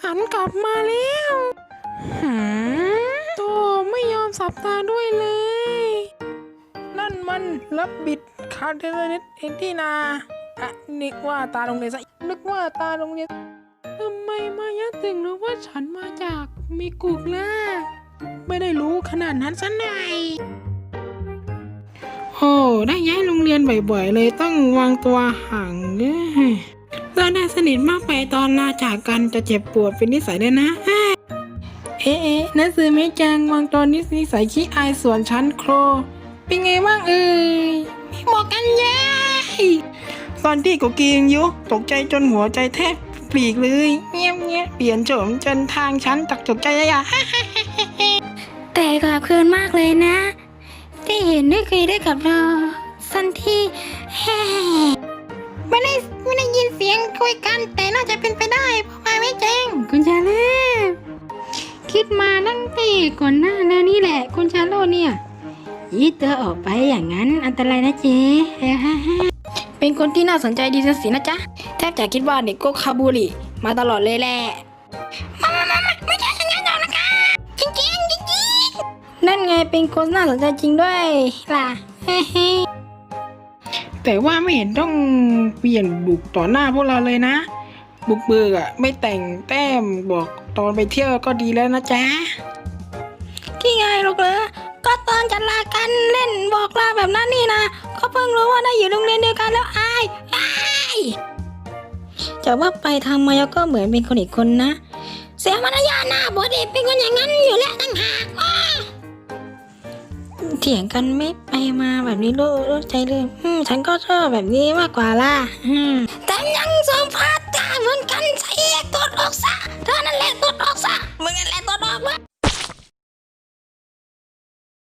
หันกลับมาแล้วโตไม่ยอมสับตาด้วยเลยนั่นมันรับบิดคาเทเนตเอ็นที่นานึกว่าตาโรงเรียนซะนึกว่าตาโรงเรียนทำไมมายะถึงรู้ว่าฉันมาจากมิกุล่ะไม่ได้รู้ขนาดนั้นซะหน่อยโอ้ได้ย้ายโรงเรียนบ่อยๆเลยต้องวางตัวห่างเราได้สนิทมากไปตอนลาจากกันจะเจ็บปวดเป็นนิสัยเลยนะนักสือเมจังวางตอนนิสัยขี้อายส่วนชั้นโครเป็นไงบ้างไม่บอกกันยัยตอนที่กูกินยุตกใจจนหัวใจแทบปลีกเลยเงี้ยเปลี่ยนโฉมจนทางชั้นตักจกใจอะแต่ขอบคุณมากเลยนะที่เห็นได้คุยได้กับเราสันที่ไม่ได้ยินเสียงคุยกันแต่น่าจะเป็นไปได้เพราะไม่แจ้งคุณชาโลคิดมาตั้งแต่ก่อนหน้าแล้วนี่แหละคุณชาโลเนี่ยยีเตอออกไปอย่างนั้นอันตรายนะเจ๊เป็นคนที่น่าสนใจดีสินะจ๊ะแทบจะคิดว่าเด็กโกคาบูริมาตลอดเลยแหละไม่ใช่อย่างนั้นหรอกนะคะจริงนั่นไงเป็นคนน่าสนใจจริงด้วยล่ะแต่ว่าไม่เห็นต้องเปลี่ยนบุกต่อหน้าพวกเราเลยนะบุกเบิกไม่แต่งแต้มบอกตอนไปเที่ยวก็ดีแล้วนะจ๊ะที่ไงหรอกเลยก็ตอนจะลากันเล่นบอกลาแบบนั้นนี่นะก็เพิ่งรู้ว่าได้อยู่โรงเรียนเดียวกันแล้วอายจะว่าไปทางมายาก็เหมือนเป็นคนอีกคนนะเสียมารยาทนะบอดีเป็นคนอย่างนั้นอยู่แล้วตั้งหากเถียงกันไม่ไปมาแบบนี้รู้ใจเลยฉันก็ชอบแบบนี้มากกว่าล่ะแต่ยังสมพัดตาเหมือนกันใส่ตัวออกซะเธอนั่นแหละตัวออกซะ